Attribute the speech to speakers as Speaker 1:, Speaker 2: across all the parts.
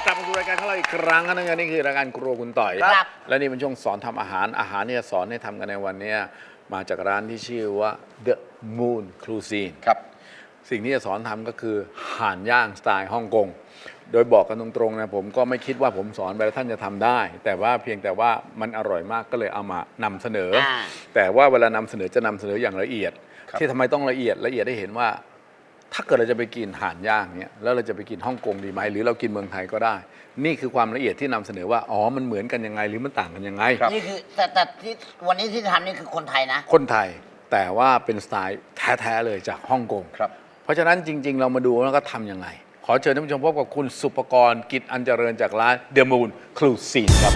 Speaker 1: กลับมาสู่รายการของเราอีกครั้งนะนี่คือรายการครัวคุณต่อย
Speaker 2: ครับ
Speaker 1: และนี่เป็นช่วงสอนทำอาหารเนี่ยสอนให้ทำกันในวันนี้มาจากร้านที่ชื่อว่า The Moon Cuisine
Speaker 2: ครับ
Speaker 1: สิ่งที่จะสอนทำก็คือห่านย่างสไตล์ฮ่องกงโดยบอกกันตรงๆนะผมก็ไม่คิดว่าผมสอนไปแล้วท่านจะทำได้ แต่ว่าเพียงแต่ว่ามันอร่อยมากก็เลยเอามานำเสนอ แต่ว่าเวลานำเสนอจะนำเสนออย่างละเอียด ที่ทำไมต้องละเอียดได้เห็นว่า ถ้าเกิดเราจะไปกินห่านย่างเนี่ยแล้วเราจะไปกินฮ่องกงดีไหมหรือเรากินเมืองไทยก็ได้ นี่คือความละเอียดที่นำเสนอว่าอ๋อมันเหมือนกันยังไงหรือมันต่างกันยังไง
Speaker 2: นี่คือแต่ที่วันนี้ที่ทำนี่คือคนไทยนะ
Speaker 1: คนไทยแต่ว่าเป็นสไตล์แท้ๆเลยจากฮ่องกง
Speaker 2: ครับ
Speaker 1: เพราะฉะนั้นจริง ๆ เรามาดูแล้วก็ทำยังไง ขอเชิญท่านผู้ชมพบกับคุณสุปกรณ์กิจอันเจริญจากร้าน The Moon Cuisine ครับ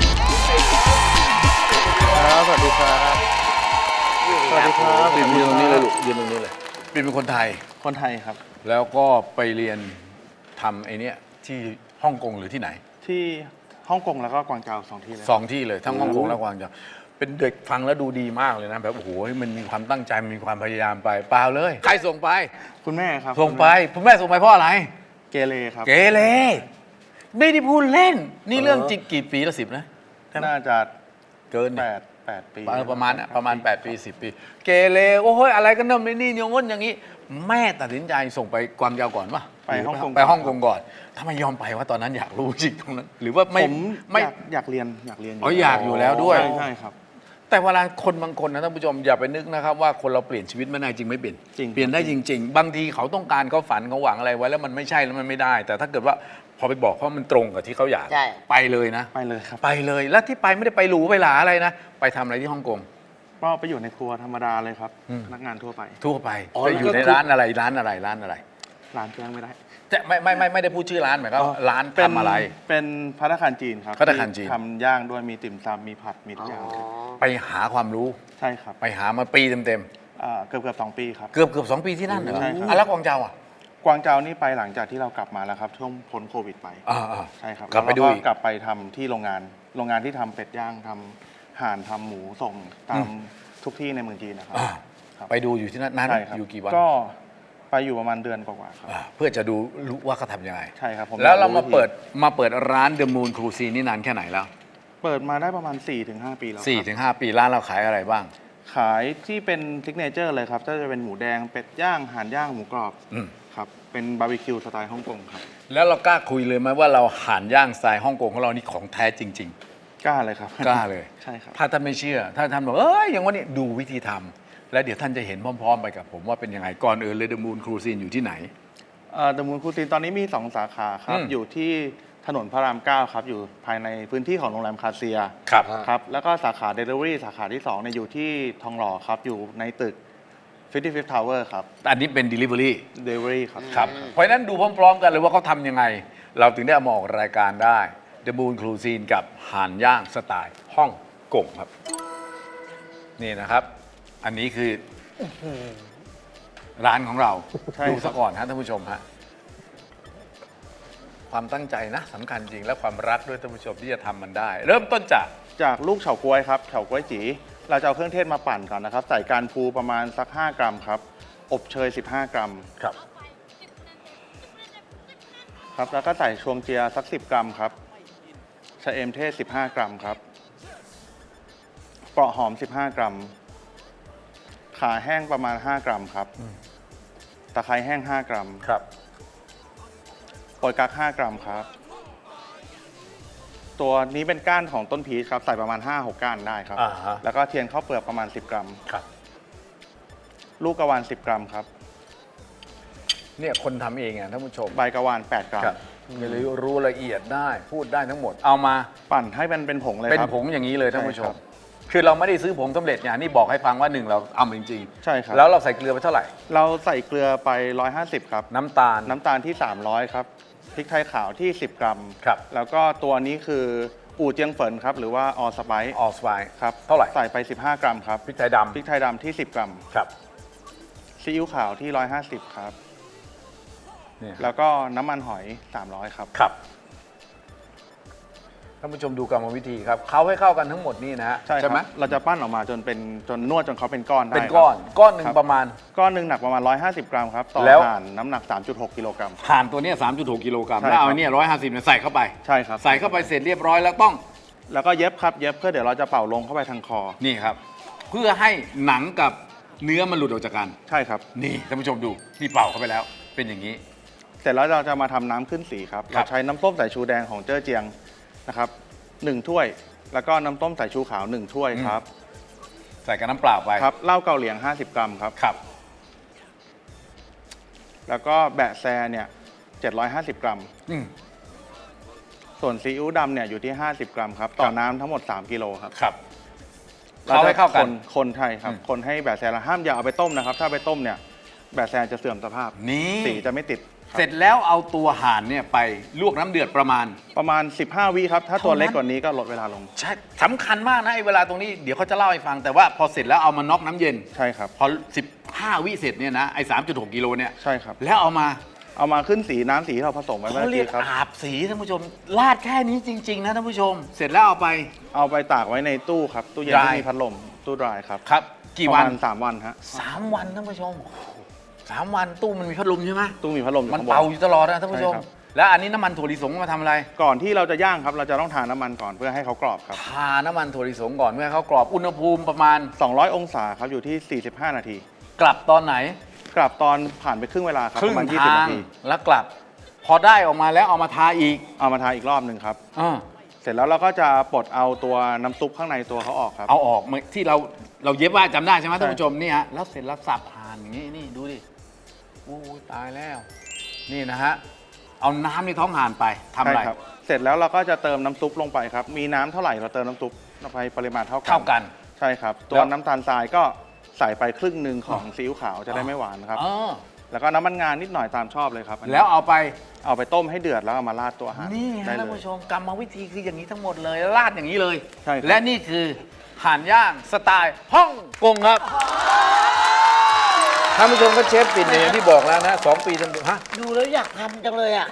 Speaker 3: สวัสดีครับ สวัสดีครับ
Speaker 1: บินยืนตรงนี้เลยลูกยืนตรงนี้เลยบินเป็นคนไทย
Speaker 3: คนไทยครับ
Speaker 1: แล้วก็ไปเรียนทำไอ้นี่ที่ฮ่องกงหรือที่ไหน
Speaker 3: ที่ฮ่องกงแล้วก็กวางโจว2 ที่เลย
Speaker 1: สองที่เลยทั้งฮ่องกงและกวางโจวเป็นเด็กฟังแล้วดูดีมากเลยนะแบบโอ้โหมันมีความตั้งใจมันมีความพยายามไปเปล่าเลย ใครส่งไป
Speaker 3: คุณแม่ครับ
Speaker 1: ส่งไปคุณแม่ส่งไปเพราะอะไร
Speaker 3: เกเรครับ
Speaker 1: เกเรไม่ได้พูดเล่น นี่เรื่องจริงกี่ปีละ10นะ
Speaker 3: น่าจะ
Speaker 1: เกิน
Speaker 3: 8 ปี
Speaker 1: ประมาณน่ะประมาณ8 ปี 10 ปี เกเรโอ้ยอะไรกันเนิ่มนี่อย่างง้นอย่างนี้ แม่ตัดสินใจส่งไปกวางโจวก่อนป่ะ
Speaker 3: ไปฮ่องกง
Speaker 1: ไปฮ่องกงก่อนทำไมยอมไปว่าตอนนั้นอยากรู้จริงตรงนั้น หรือว่า
Speaker 3: ผ
Speaker 1: ไม่
Speaker 3: ม
Speaker 1: ไม่
Speaker 3: อยากเรียนอยู่
Speaker 1: อ๋ออยากอยู่แล้วด้วย
Speaker 3: ใช่ครับ
Speaker 1: แต่เวลาคนบางคนนะท่านผู้ชมอย่าไปนึกนะครับว่าคนเราเปลี่ยนชีวิตไม่ได้จริงไม่เปลี่ยน
Speaker 3: จริง
Speaker 1: เปลี่ยนได้จริง ๆ บางทีเขาต้องการเขาฝันเขาหวังอะไรไว้แล้วมันไม่ใช่แล้วมันไม่ได้ แต่ถ้าเกิดว่าพอไปบอกเขามันตรงกับที่เขาอยาก
Speaker 2: ใช่
Speaker 1: ไปเลยนะ
Speaker 3: ไปเลยครับ
Speaker 1: ไปเลยแล้วที่ไปไม่ได้ไปหรูไปหลาอะไรนะไปทำอะไรที่ฮ่องกง
Speaker 3: ก็ไปอยู่ในครัวธรรมดาเลยครับ
Speaker 1: อืม
Speaker 3: พนักงานทั่วไป
Speaker 1: ทั่วไป
Speaker 2: อ๋อ
Speaker 1: ไปอยู่
Speaker 2: แล้วก็
Speaker 1: ใน
Speaker 2: คือ
Speaker 1: ร้านอะไรร้านอะไรร้านอะไร
Speaker 3: ร้านแจ้งไม่ได้
Speaker 1: จะไม่ได้พูดชื่อร้านหมายความว่าร้าน
Speaker 3: เป็น
Speaker 1: ทำอะไร
Speaker 3: เป็นภัตตาคารจีนครับ
Speaker 1: ภัตตาคารจีน
Speaker 3: ที่ทำย่างด้วยมีติ่มซำมีผัดมีทุกอย่าง
Speaker 1: ไปหาความรู้
Speaker 3: ใช่ครับ
Speaker 1: ไปหามาปีเต็ม
Speaker 3: เกือบ2 ปีครับ
Speaker 1: ๆเกือบ2 ปีที่นั่นเหรอ
Speaker 3: ใช่ครับ
Speaker 1: อ่ะแล้วกวางเจาอ่ะ
Speaker 3: กวางโจวนี่ไปหลังจากที่เรากลับมาแล้วครับช่วงพ้นโควิดไป
Speaker 1: อ่า
Speaker 3: ใช่ครับ
Speaker 1: กลับไปดู
Speaker 3: แล้ว
Speaker 1: อีก
Speaker 3: กลับไปทำที่โรงงานที่ทำเป็ดย่างทำห่านทำหมูส่งตามทุกที่ในเมืองจีนนะครับ
Speaker 1: อ่า
Speaker 3: ครับ
Speaker 1: ไปดูอยู่ที่นั่นนานไหม
Speaker 3: ใช่ครับ
Speaker 1: อยู่กี่วัน
Speaker 3: ก็ไปอยู่ประมาณเดือนกว่าๆครับ
Speaker 1: เพื่อจะดูรู้ว่าเขาทำยังไง
Speaker 3: ใช่ครับผม
Speaker 1: แล้วเรา
Speaker 3: อยก
Speaker 1: มาเปิดร้าน The Moon Cuisine นี่นานแค่ไหนแล้ว
Speaker 3: เปิดมาได้ประมาณ 4-5 ปีแล้วครับ
Speaker 1: 4-5 ปีร้านเราขายอะไรบ้าง
Speaker 3: ขายที่เป็นซิกเนเจอร์เลยครับก็จะเป็นหมูแดงเป็ดย่างห่านย่างหมูกรอบ
Speaker 1: อืม
Speaker 3: ครับเป็นบาร์บีคิวสไตล์ฮ่องกงครับ
Speaker 1: แล้วเรากล้าคุยเลยไหมว่าเราห่านย่างสไตล์ฮ่องกงของเรานี่ของแท้จริง
Speaker 3: กล้าเลยครับ
Speaker 1: ๆ กล้าเลย
Speaker 3: ใช่ครับ
Speaker 1: ถ้าท่านไม่เชื่อ ถ้าท่านบอกอย่างวันนี้ดูวิธีทำแล้วเดี๋ยวท่านจะเห็นพร้อมๆ ไปกับผมว่าเป็นยังไงก่อนอื่นเลย The Moon Cuisine อยู่ที่ไหน
Speaker 3: เดอะมูนคูซินตอนนี้มี 2 สาขาครับ
Speaker 1: อืม
Speaker 3: อยู่ที่ถนนพระราม 9 ครับ อยู่ภายในพื้นที่ของโรงแรมคาเซีย
Speaker 1: ครับ
Speaker 3: ครับ แล้วก็สาขา Delivery สาขาที่2เนี่ยอยู่ที่ทองหล่อครับ อยู่ในตึก 55 Tower ครับ
Speaker 1: อันนี้เป็น Delivery
Speaker 3: Delivery ครับ
Speaker 1: ครับเพราะฉะนั้นดูพร้อมๆ กันเลยว่าเขาทำยังไง เราถึงได้เอามาออกรายการได้ The Moon Cuisine กับห่านย่างสไตล์ฮ่องกงครับ นี่นะครับ อันนี้คือร้านของเรา
Speaker 3: ใช่
Speaker 1: ดู
Speaker 3: ครั
Speaker 1: ซะ
Speaker 3: บ
Speaker 1: ก่อนฮะท่านผู้ชมฮะความตั้งใจนะสำคัญจริงและความรักด้วยท่านผู้ชมที่จะทำมันได้ เริ่มต้นจาก
Speaker 3: จากลูกเฉาก๊วยครับเฉาก๊วยจีเราจะเอาเครื่องเทศมาปั่นก่อนนะครับ ใส่การพูประมาณสัก 5 กรัมครับ อบเชย 15 กรัม
Speaker 1: ครับ
Speaker 3: ครับ แล้วก็ใส่ชวงเจียสัก 10 กรัมครับชะเอมเทศ 15 กรัมครับเปราะหอม 15 กรัม ขาแห้งประมาณ 5 กรัมครับ ตะไคร้แห้ง 5 กรัม
Speaker 1: ครับ
Speaker 3: โปรยกัก 5 กรัมครับ ตัวนี้เป็นก้านของต้นพีชครับ ใส่ประมาณ 5-6 ก้านได้ครับ
Speaker 1: อ่าฮะ
Speaker 3: แล้วก็เทียนข้าวเปลือกประมาณ 10 กรัม
Speaker 1: ครับ
Speaker 3: ลูกกระวาน 10 กรัมครับ
Speaker 1: เนี่ยคนทำเองอ่ะท่านผู้ชม
Speaker 3: ใบกระวาน 8 กรัม
Speaker 1: ครับไม่รู้ละเอียดได้พูดได้ทั้งหมดเอามา
Speaker 3: ปั่นให้มันเป็นผงเลย
Speaker 1: เป็น
Speaker 3: ครับ
Speaker 1: ผงอย่างนี้เลยท่านผู้ช
Speaker 3: ใช่ครั
Speaker 1: ม
Speaker 3: บ
Speaker 1: คือเราไม่ได้ซื้อผงสำเร็จอย่างนี่บอกให้ฟังว่าหนึ่งเราเอามาจริง
Speaker 3: ใช่ครับ
Speaker 1: แล้วเราใส่เกลือไปเท่าไหร่
Speaker 3: เราใส่เกลือไป 150 ครับ
Speaker 1: น้ำตาล
Speaker 3: น้ำตาลที่ 300 ครับ พริกไทยขาวที่ 10 กรัม
Speaker 1: ครับ
Speaker 3: แล้วก็ตัวนี้คืออู่เจียงเฟินครับ หรือว่าออสไปซ์
Speaker 1: ออสไวน์
Speaker 3: ครับ
Speaker 1: เท่าไหร่
Speaker 3: ใส่ไป 15 กรัมครับ
Speaker 1: พริกไทยด
Speaker 3: พริกไทยดำที่ 10 กรัม
Speaker 1: ำครับ
Speaker 3: ซีอิ๊วขาวที่ 150 ครับ
Speaker 1: เนี่ย
Speaker 3: แล้วก็น้ำมันหอย 300 ครับ
Speaker 1: ครับท่านผู้ชมดูกรรมวิธีครับเขาให้เข้ากันทั้งหมดนี่นะฮะ
Speaker 3: ใช่
Speaker 1: ไหม
Speaker 3: ครับเราจะปั้นออกมาจนเป็นจนนวดจนเขาเป็นก้อนได้
Speaker 1: เป็นก้อน
Speaker 3: ครับ
Speaker 1: ก้อนหนึ่ง
Speaker 3: ครับ
Speaker 1: ประมาณ
Speaker 3: ก้อนหนึ่งหนักประมาณ 150 กรัมครับ ต่อ
Speaker 1: แล้ว
Speaker 3: ถ่านน้ำหนัก 3.6 กิโลกรัม
Speaker 1: ถ่านตัวเนี้ย3.6 กิโลกรัม
Speaker 3: ใช่
Speaker 1: แล้วเอา
Speaker 3: ครับ
Speaker 1: ไอ้เนี่ย150เนี่ยใส่เข้าไป
Speaker 3: ใช่ครับ
Speaker 1: ใส่เข้าไปเสร็จเรียบร้อยแล้วต้อง
Speaker 3: แล้วก็เย็บครับ เย็บเพื่อเดี๋ยวเราจะเป่าลงเข้าไปทางคอ
Speaker 1: นี่ครับ เพื่อให้หนังกับเนื้อมันหลุดออกจากกัน
Speaker 3: ใช่ครับ
Speaker 1: นี่ท่านผู้ชมดูนี่เป่าเข้าไปแล้ว เป็นอย่างนี้
Speaker 3: เสร็จแล้วเราจะมาทำน้ำขึ้นสีครับ
Speaker 1: ครับ
Speaker 3: เราใช้น้ำต้มสายชูแดงของเจ้อเจียงนะครับ1ถ้วย แล้วก็น้ำต้มสายชูขาว1ถ้วยครับ
Speaker 1: ใส่กับน้ำเปล่าไป
Speaker 3: ครับเหล้าเกาเหลียง 50 กรัมครับ
Speaker 1: ครับ
Speaker 3: แล้วก็แบะแซเนี่ย750 กรัม
Speaker 1: อืม
Speaker 3: ส่วนซีอิ๊วดำเนี่ยอยู่ที่ 50 กรัมครับ ต่อน้ำทั้งหมด 3 กิโลครับ
Speaker 1: ครับเขาให้เข้ากัน
Speaker 3: คนไทยครับ
Speaker 1: อืม
Speaker 3: คนให้แบะแซเราห้ามอย่าเอาไปต้มนะครับ ถ้าไปต้มเนี่ยแบะแซจะเสื่อมสภาพ
Speaker 1: นี่
Speaker 3: สีจะไม่ติดครับ
Speaker 1: เสร็จแล้วเอาตัวห่านเนี่ยไปลวกน้ำเดือดประมาณ
Speaker 3: ประมาณ 15 วิครับ ถ้าตัว
Speaker 1: เท่านั้น
Speaker 3: เล็กกว่านี้ก็ลดเวลาลง
Speaker 1: ใช่สำคัญมากนะไอ้เวลาตรงนี้เดี๋ยวเขาจะเล่าให้ฟังแต่ว่าพอเสร็จแล้วเอามาน็อกน้ำเย็น
Speaker 3: ใช่ครับ
Speaker 1: พอ 15 วิเสร็จเนี่ยนะไอ้3.6 กิโลเนี่ย
Speaker 3: ใช่ครับ
Speaker 1: แล้วเอามา
Speaker 3: เอามาขึ้นสีน้ำสีที่เราผสมไว้เมื่
Speaker 1: เขา
Speaker 3: อ
Speaker 1: เรีย
Speaker 3: กี้
Speaker 1: ก
Speaker 3: ครับ
Speaker 1: อาบสีท่านผู้ชมลาดแค่นี้จริง ๆ นะท่านผู้ชม เสร็จแล้วเอาไป
Speaker 3: เอาไปตากไว้ในตู้ครับ ตู้เย็น
Speaker 1: Dry
Speaker 3: ที่มีพัดลม ตู้ดรายครับ
Speaker 1: ครับ กี่วัน
Speaker 3: ประมาณ3 วันฮะ
Speaker 1: 3 วันท่านผู้ชมโอ้โห3 วันตู้มันมีพัดลมใช่ไหม
Speaker 3: ตู้มีพัดลมอยู่
Speaker 1: มัน
Speaker 3: ข้างบน
Speaker 1: เป่าอยู่ตลอดนะท่านผู้ชม
Speaker 3: ใช่ครับ
Speaker 1: แล้วอันนี้น้ำมันถั่วลิสงมาทำอะไร
Speaker 3: ก่อนที่เราจะย่างครับ เราจะต้องทาน้ำมันก่อนเพื่อให้เขากรอบครับ
Speaker 1: ทาน้ำมันถั่วลิสงก่อนเพื่อให้เขากรอบอุณหภูมิประมาณ
Speaker 3: 200 องศาครับ อยู่ที่ 45 นาที
Speaker 1: กลับตอนไหน
Speaker 3: กลับตอนผ่านไปครึ่งเวลาครับ
Speaker 1: ครึ่
Speaker 3: ป
Speaker 1: ง
Speaker 3: ระมาณ 20
Speaker 1: ทาง
Speaker 3: นาที
Speaker 1: แล้วกลับ พอได้ออกมาแล้วเอามาทาอีก
Speaker 3: เอามาทาอีกรอบหนึ่งครับ
Speaker 1: อ่า
Speaker 3: เสร็จแล้วเราก็จะปลดเอาตัวน้ำซุปข้างในตัวเขาออกครับ
Speaker 1: เอาออกเหมือนที่เราเย็บว่าจำได้ใช่ไหม
Speaker 3: ใช่
Speaker 1: ท่านผู้ชมนี่ฮะแล้วเสร็จแล้วสับผ่านอย่างนี้นี่ดูดิโอ้ยตายแล้ว นี่นะฮะเอาน้ำในท้องห่านไปทำอะไร
Speaker 3: ใช่ครับ เสร็จแล้วเราก็จะเติมน้ำซุปลงไปครับ มีน้ำเท่าไหร่เราเติมน้ำซุปลงไปปริมาณเท่ากัน
Speaker 1: เท่ากัน
Speaker 3: ใช่ครับ ตั
Speaker 1: แล้ว ว
Speaker 3: น้ำตาลทรายก็ใส่ไปครึ่งหนึ่งของซีอิ๊วขาวจะได้ไม่หวานครับ
Speaker 1: อ๋อ
Speaker 3: แล้วก็น้ำมันงานนิดหน่อยตามชอบเลยครับอันนี้
Speaker 1: แล้วเอาไป
Speaker 3: เอาไปต้มให้เดือดแล้วเอามาราดตัวอาหาร
Speaker 1: นี่ฮะ
Speaker 3: ได้
Speaker 1: ท่าน
Speaker 3: เลย
Speaker 1: ผู้ชมกรรมวิธีคืออย่างนี้ทั้งหมดเลยราดอย่างนี้เลย
Speaker 3: ใช่ครับ
Speaker 1: และนี่คือห่านย่างสไตล์ฮ่องกงครับท่านผู้ชมก็เชฟปิ่นเนี่ยอย่างที่บอกแล้วนะ2 ปีจนฮะ
Speaker 2: ดูแล้วอยากทำจังเลยอ่ะ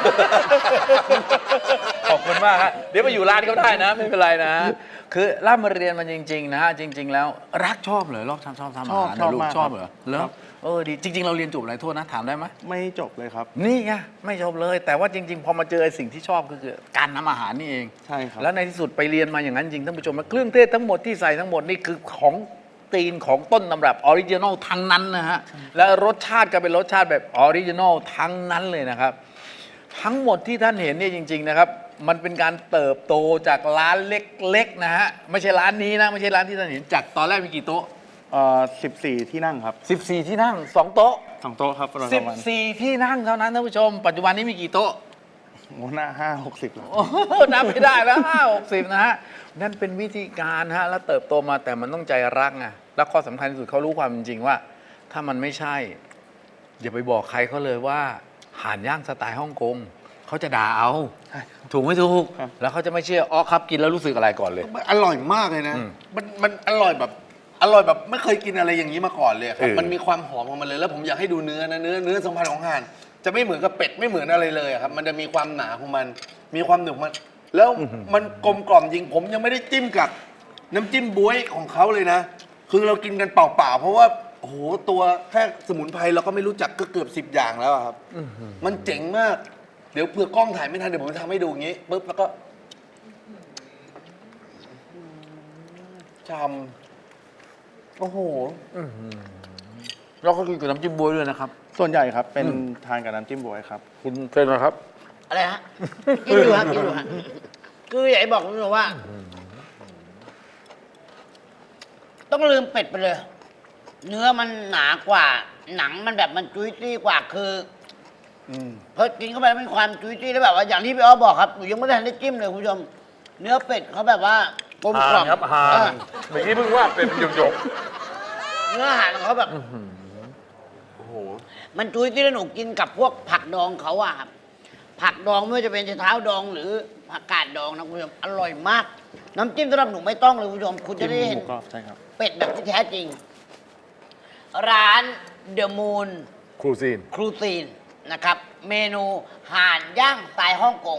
Speaker 1: ขอบคุณมากฮะเดี๋ยวมาอยู่ร้านเขาได้นะ ไม่เป็นไรนะ คือร่ำมาเรียนมันจริง ๆ นะฮะจริง ๆ แล้วรักชอบเหรอชอบทำอาหาร
Speaker 3: ชอบ
Speaker 1: นะลูก
Speaker 3: มาก
Speaker 1: ชอบเหรอ
Speaker 3: ครับ
Speaker 1: แล้วดีจริง ๆ เราเรียนจบอะไรโทษนะถามได้ไหม
Speaker 3: ไม่จบเลยครับ
Speaker 1: นี่ไงไม่จบเลย แต่ว่าจริง ๆ พอมาเจอไอ้สิ่งที่ชอบก็คือการทำอาหารนี่เอง
Speaker 3: ใช่ครับ
Speaker 1: แล้วในที่สุดไปเรียนมาอย่างนั้นจริงท่านผู้ชมเครื่องเทศทั้งหมดที่ใส่ทั้งหมดนี่คือของตีนของต้นตำรับออริจินอลทั้งนั้นนะฮะและรสชาติก็เป็นรสชาติแบบออริจินอลทั้งนั้นเลยนะครับ ทั้งหมดที่ท่านเห็นเนี่ยจริง ๆ นะครับ มันเป็นการเติบโตจากร้านเล็ก ๆ นะฮะไม่ใช่ร้านนี้นะไม่ใช่ร้านที่ท่านเห็นจากตอนแรกมีกี่โต๊ะ
Speaker 3: 14 ที่นั่งครับ
Speaker 1: 14 ที่นั่ง 2 โต๊ะ
Speaker 3: 2 โต๊ะครับประมาณ
Speaker 1: 14 ที่นั่งเท่านั้นท่านผู้ชม ปัจจุบันนี้มีกี่โต๊ะ
Speaker 3: โอ้หน้า5-60แล้ว
Speaker 1: โอ้โหนับไม่ได้แล้ว50 นะฮะ นั่นเป็นวิธีการฮะ แล้วเติบโตมาแต่มันต้องใจรักไงแล้วข้อสำคัญที่สุดเขารู้ความจริงว่า ถ้ามันไม่ใช่ อย่าไปบอกใครเขาเลยว่าห่านย่างสไตล์ฮ่องกงเขาจะด่าเอา
Speaker 3: ใช่ครับ
Speaker 1: ถูกไม่ถูก
Speaker 3: ครับ
Speaker 1: แล้วเขาจะไม่เชื่ออ๋อครับกินแล้วรู้สึกอะไรก่อนเลย
Speaker 4: มันอร่อยมากเลยนะ
Speaker 1: อืม
Speaker 4: มันอร่อยแบบไม่เคยกินอะไรอย่างนี้มาก่อนเลยครับ มันมีความหอมของมันเลย แล้วผมอยากให้ดูเนื้อนะเนื้อสัมผัสของห่าน จะไม่เหมือนกับเป็ดไม่เหมือนอะไรเลยอะครับ มันจะมีความหนาของมัน มีความหนึบมัน แล้วมันกลมกล่อมจริง ผมยังไม่ได้จิ้มกับน้ำจิ้มบ๊วยของเขาเลยนะ คือเรากินกันเปล่าๆ เพราะว่าโอ้โหตัวแค่สมุนไพรเราก็ไม่รู้จักก็เกือบ10 อย่างแล้วอะครับ มันเจ๋งมาก เดี๋ยวเผื่อกล้องถ่ายไม่ทันเดี๋ยวผมจะทำให้ดูอย่างนี้ปุ๊บแล้วก็ชำโอ้โห
Speaker 1: เราก็กินกับน้ำจิ้มบ๊วยด้วยนะครับ
Speaker 3: ส่วนใหญ่ครับเป็นทานกับน้ำจิ้มบวยครับ
Speaker 1: คุณเป็นไหมครับ
Speaker 2: อะไรฮะ กินอยู่ฮะกินอยู่ฮะคืออยากให้บอกคุณผู้ชมว่า ต้องลืมเป็ดไปเลย เนื้อมันหนากว่า หนังมันแบบมันจุ้ยจี้กว่าคืออพอกินเข้าไปแล้วมีความจุ้ยจี้แล้วแบบว่าอย่างที่พี่อ้อบอกครับหนูยังไม่ได้ทันได้จิ้มเลยคุณผู้ชม เนื้อเป็ดเขาแบบว่ากลมกล่อม
Speaker 1: ครับห่าน
Speaker 2: เออ
Speaker 1: เมื่อกี้เพิ่งว่าเป็นหยก
Speaker 2: เนื้ออาหารของเขาแบบ
Speaker 4: โอ้โห
Speaker 2: มันจุ้ยที่แล้วหนูกินกับพวกผักดองเขาอะครับผักดองไม่ว่าจะเป็นเท้าดองหรือผักกาดดองนะคุณผู้ชมอร่อยมาก น้ำจิ้มสำหรับหนูไม่ต้องเลยคุณผู้ชม คุณจะได้
Speaker 3: ห
Speaker 2: เห็น
Speaker 3: มูกรอบใช่ครับ
Speaker 2: เป็ดแบบที่แท้จริง ร้านเดอะมูน
Speaker 1: ๆครูซีน
Speaker 2: ครูซีนนะครับ เมนูห่านย่างสไตล์ฮ่องกง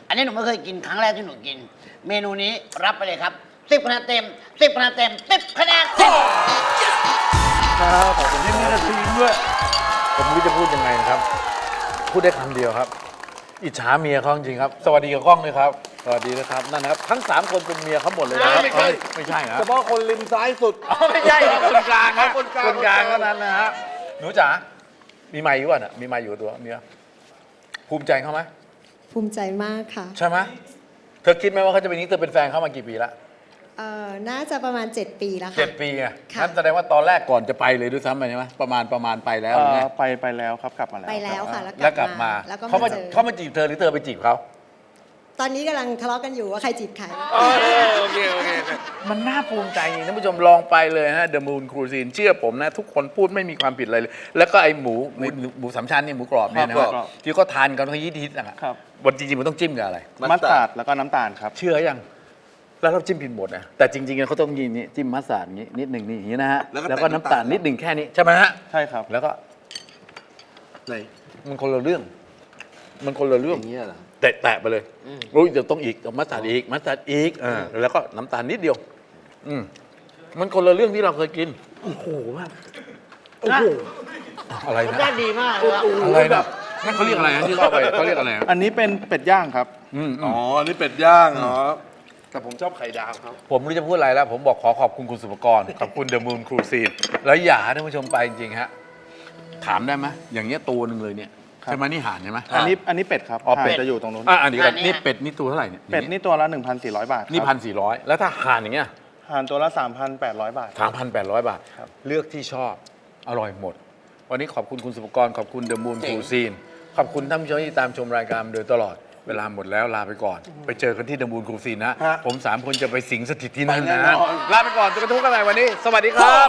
Speaker 2: อันนี้หนูไม่เคยกินครั้งแรกที่หนูกิน เมนูนี้รับไปเลยครับ10คะแนนเต็ม10คะแนนเต็ม10คะแนนเต็ม
Speaker 1: ครับขอบคุณที่มีนาทีด้วยผมไม่รู้จะพูดยังไงนะครับ พูดได้คำเดียวครับ อิจฉาเมียเขาจริงๆครับ สวัสดีกับกล้องเลยครับ สวัสดีนะครับนั่นนะครับทั้ง3คนเป็นเมียเขาหมดเลยนะครับ
Speaker 4: ไม่ใช่
Speaker 1: ไม่ใช่นะ
Speaker 4: เฉพาะคนริมซ้ายสุด
Speaker 1: ไม่ใช่ครับคนกลางครับ
Speaker 4: คนกลาง
Speaker 1: คนกลางเท่านั้นนะฮะหนูจ๋ามีไมค์อยู่ป่ะน่ะมีไมค์อยู่กับตัวเมียภูมิใจเขาไหม
Speaker 5: ภูมิใจมากค่ะ
Speaker 1: ใช่ไหมเธอคิดไหมว่าเขาจะเป็นนี้เธอเป็นแฟนเขามากี่ปีละ
Speaker 5: น่าจะประมาณ 7 ปีแล้วค่ะ
Speaker 1: 7 ปีไง
Speaker 5: ค่ะ
Speaker 1: นั่นแสดงว่าตอนแรกก่อนจะไปเลยด้วยซ้ำไปใช่ไหมประมาณไปแล้วใช่ไหม
Speaker 3: ไปแล้วครับกลับมาแล้ว
Speaker 5: ไปแล้ว
Speaker 3: รับ
Speaker 5: ค่ะ
Speaker 1: แล้วกลับมา
Speaker 5: แล้วก็
Speaker 1: เขามา
Speaker 5: มาเจอ
Speaker 1: เขามาจีบเธอหรือเธอไปจีบเขา
Speaker 5: ตอนนี้กำลังทะเลาะกันอยู่ว่าใครจีบใคร
Speaker 1: โอเคมันน่าภูมิใจจริงท่านผู้ชมลองไปเลยฮะ The Moon Cuisine เชื่อผมนะ ทุกคนพูดไม่มีความผิดอะไรเลย แล้วก็ไอหมูสามชั้นนี่หมูกรอบเนี่ยนะ
Speaker 3: ค
Speaker 1: ค
Speaker 3: รั
Speaker 1: รับบ ที่เขาทานกันเขาฮิตๆนะครับ วันจริงๆมันต้องจิ้มกับอะไร
Speaker 3: มัสตาร์ดแล้วก็น้ำตาลครับ
Speaker 1: เชื่อยังแล้วเราจิ้มผิดหมดนะแต่จริงๆเขาต้องยินนี่จิ้มมัสตาร์ดอย่างนี้นิดหนึ่งนี่อย่างนี้นะฮะ
Speaker 4: แล้วก็
Speaker 1: แล้วก็น้ำตาลนิดหนึ่งแค่นี้ใช่ไหมฮะ
Speaker 3: ใช่ครับ
Speaker 1: แล้วก็
Speaker 4: ไหน
Speaker 1: มันคนละเรื่อง มันคนละเรื่อง
Speaker 4: อย่างเงี้ยเหรอ
Speaker 1: แตะไปเลยอุ้ยเดี๋ยวต้องอีกมัสตาร์ดอีกมัสตาร์ดอีกแล้วก็น้ำตาลนิดเดียว มันคนละเรื่องที่เราเคยกิน โอ้โหแบบโอ้โหอะไร
Speaker 2: รส
Speaker 1: นะ
Speaker 2: ชาติดีมากเลยครับ
Speaker 1: อะไรนะนั่นเขาเรียกอะไรนะที่เข้าไปเขาเรียกอะไรนะ
Speaker 3: อันนี้เป็นเป็ดย่างครับ
Speaker 4: อ๋อ นี่เป็ดย่างเหรอแต่ผมชอบไข่ดาวครับ
Speaker 1: ผมไม่รู้จะพูดอะไรแล้ว ผมบอกขอบคุณคุณสุภกร ขอบคุณ The Moon Cuisine แล้วอย่าให้ท่านผู้ชมไปจริงๆฮะถามได้ไหมอย่างเงี้ยตัวหนึ่งเลยเนี่ย
Speaker 3: ครับ
Speaker 1: ใช่ไหมนี่ห่านใช่ไหม
Speaker 3: อันนี้เป็ดครับ
Speaker 1: อ๋อเป็ด
Speaker 3: ห่านจะอยู่ตรงนู้น
Speaker 1: อันนี้ก่อนนี่เป็ดนี่ตัวเท่าไหร่เนี่ย
Speaker 3: เป็ดนี่ตัวละ 1,400 บาทครับ
Speaker 1: นี่1,400แล้วถ้าห่านอย่างเงี้ย
Speaker 3: ห่านตัวละ 3,800 บาท
Speaker 1: 3,800 บาท
Speaker 3: ครับ
Speaker 1: เลือกที่ชอบอร่อยหมด วันนี้ขอบคุณคุณสุภกร ขอบคุณ The Moon
Speaker 4: เจ๋ง
Speaker 1: Cuisine ขอบคุณท่านผู้ชมที่ตามชมรายการมาโดยตลอดเวลาหมดแล้วลาไปก่อน ไปเจอกันที่ The Moon Cuisine นะ
Speaker 4: ฮะ
Speaker 1: ผม3คนจะไปสิงสถิตที่นั่น
Speaker 4: ไปแน่
Speaker 1: นะ
Speaker 4: นอน
Speaker 1: ลาไปก่อนจะกระทุกกันใหม่วันนี้ สวัสดีครับ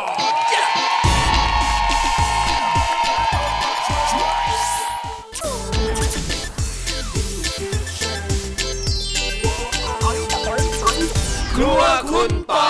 Speaker 6: ครัวคุณปอย